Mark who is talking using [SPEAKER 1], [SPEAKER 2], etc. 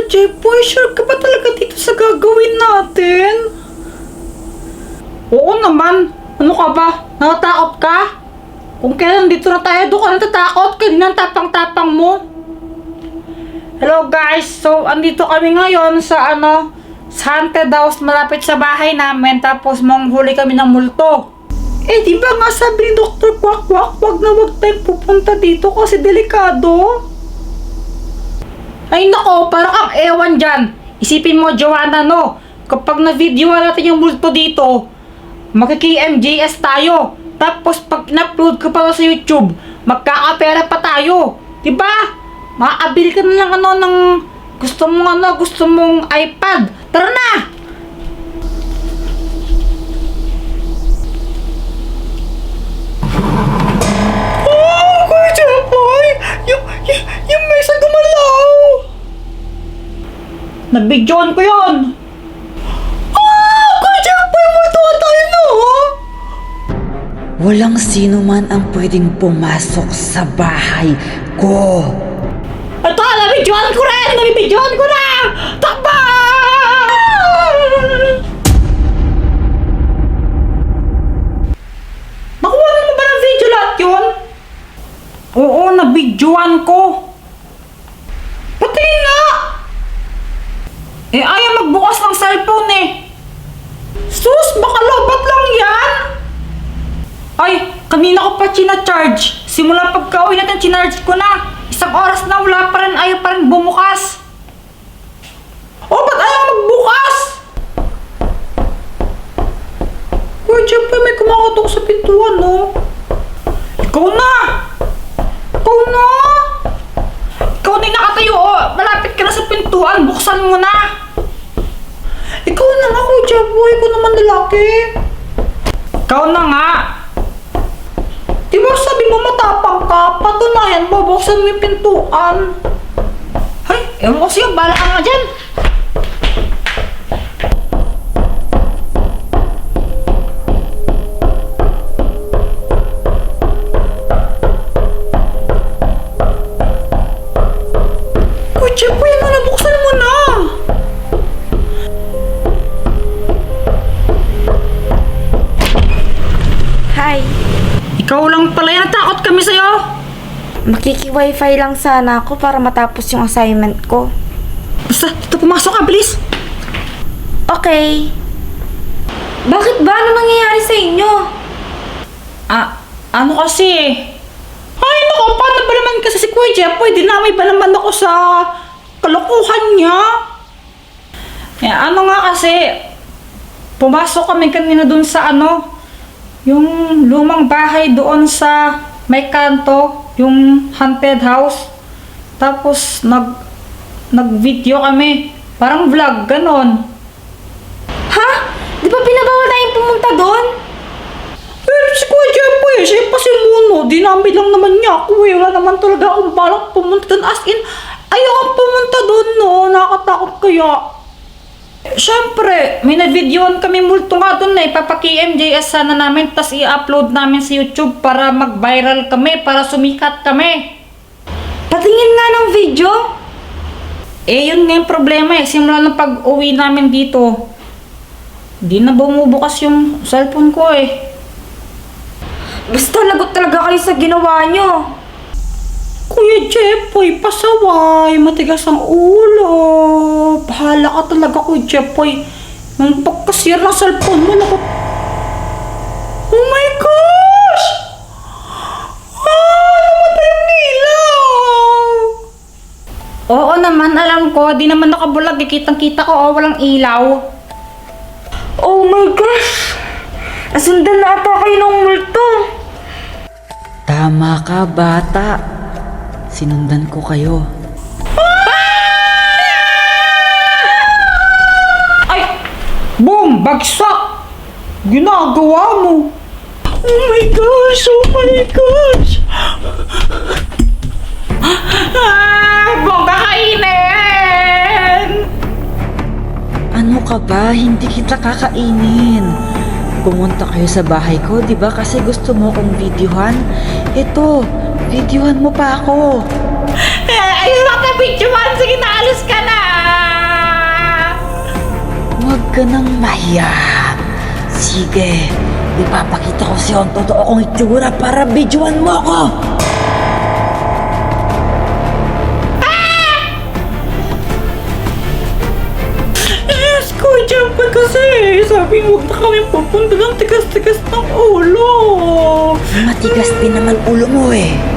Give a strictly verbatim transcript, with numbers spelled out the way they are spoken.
[SPEAKER 1] Jepoy, sure ka ba talaga dito sa gagawin natin? Oo naman. Ano ka ba? Natatakot ka? Kung kailan dito na tayo, doon ka natatakot. Kanina ang tapang-tapang mo. Hello guys, so andito kami ngayon sa ano, sa haunted house malapit sa bahay namin. Tapos manghuli kami ng multo. Eh di ba nga sabi ni Doctor Quack Quack, wag na wag tayong pupunta dito kasi delikado. Ay nako, parang ang ewan dyan. Isipin mo, Joanna, no? Kapag na-videoan natin yung multo dito, makiki-M J S tayo. Tapos pag in-upload ko pa sa YouTube, magkakapera pa tayo. Diba? Makakabili ka na lang ano ng gusto mong ano, gusto mong iPad. Tara na! Oh, Kuya Jepoy! Yung, yung, yung mesa gumalaw! Nabidyoan ko yun! Ah! Kuya Jepoy! Multuan tayo no!
[SPEAKER 2] Walang sino man ang pwedeng pumasok sa bahay ko.
[SPEAKER 1] Ito! Nabidyoan ko rin! Nabidyoan ko na! Takba! Nakuha mo ba ng video lahat yun? Oo, nabidyoan ko. Patingin nga! Eh, ayaw magbukas ng cellphone eh. Sus, baka lobat lang yan. Ay, kanina ko pa china-charge. Simula pagka-uwi natin, chinarge ko na. Isang oras na, wala pa rin, ayaw pa rin bumukas. Oh, ba't ayaw magbukas? Uy, Jepoy, may kumakatok sa pintuan, no? Ikaw na! Ikaw na! Ikaw na yung nakatayo, oh. Malapit ka na sa pintuan, buksan mo na. Ikaw na nga, Kuya Jepoy, ikaw naman lalaki. Ikaw na nga. Di ba sabi mo matapang ka? Patunayan mo, buksan mo yung pintuan. Ay, ewan ko sa'yo, bala ka nga dyan. Kuya Jepoy, ano na, buksan mo na.
[SPEAKER 3] Hi.
[SPEAKER 1] Ikaw lang pala yan, natakot kami sa'yo.
[SPEAKER 3] Makiki-wifi lang sana ako para matapos yung assignment ko.
[SPEAKER 1] Basta, dito pumasok ka, bilis.
[SPEAKER 3] Okay. Bakit ba? Ano nangyayari sa inyo?
[SPEAKER 1] Ah, ano kasi? Ay, naku, paano ba naman kasi si Kuya Jepoy? Dinamay ba naman ako sa kalokohan niya? Eh, ano nga kasi, pumasok kami kanina dun sa ano, yung lumang bahay doon sa may kanto, yung haunted house. Tapos, nag, nag-video kami. Parang vlog, ganon.
[SPEAKER 3] Ha? Di ba pinabawal tayong pumunta doon?
[SPEAKER 1] Eh, si Kuya Jepoy, siya pa si Muno. Dinamay lang naman niya ako eh. Wala naman talaga akong balak pumunta doon. As in, ayokong pumunta doon, no. Nakakatakot kaya. Siyempre, may na-videoan kami multo nga doon na ipapaki-M J S sana namin tas i-upload namin sa YouTube para mag-viral kami, para sumikat kami.
[SPEAKER 3] Patingin nga ng video.
[SPEAKER 1] Eh, yun nga yung problema eh. Simula ng pag-uwi namin dito, di na bumubukas yung cellphone ko eh.
[SPEAKER 3] Basta lagot talaga kayo sa ginawa nyo.
[SPEAKER 1] Kuya Jepoy, pasaway, matigas ang ulo. Bahala ka talaga, Kuya Jepoy. Nung pagkasira ng cellphone mo, naku. Oh my gosh! Ah, namatay ang ilaw! Oo naman, alam ko. Di naman nakabulag. Kitang-kita ko, oh, walang ilaw.
[SPEAKER 3] Oh my gosh! Nasundan na ata kayo ng multo.
[SPEAKER 2] Tama ka, bata. Sinundan ko kayo.
[SPEAKER 1] Ay! Boom! Bagsak! Ginagawa mo! Oh my gosh! Oh my gosh! Ah! Bongga kainin!
[SPEAKER 2] Ano ka ba? Hindi kita kakainin. Pumunta kayo sa bahay ko, di ba? Kasi gusto mo kong videohan. Ito, videohan mo pa ako.
[SPEAKER 1] Eh, ayun na ka, bitch man! Sige, naalis ka na!
[SPEAKER 2] ka nang mahiya. Sige, ipapakita ko sa'yo ang totoo kong itsura para videoan mo ako.
[SPEAKER 1] Yes, Kuya Jumper kasi. Sabi mo, huwag na kami pupunta ng tigas-tigas ng ulo.
[SPEAKER 2] Matigas din naman ulo mo eh.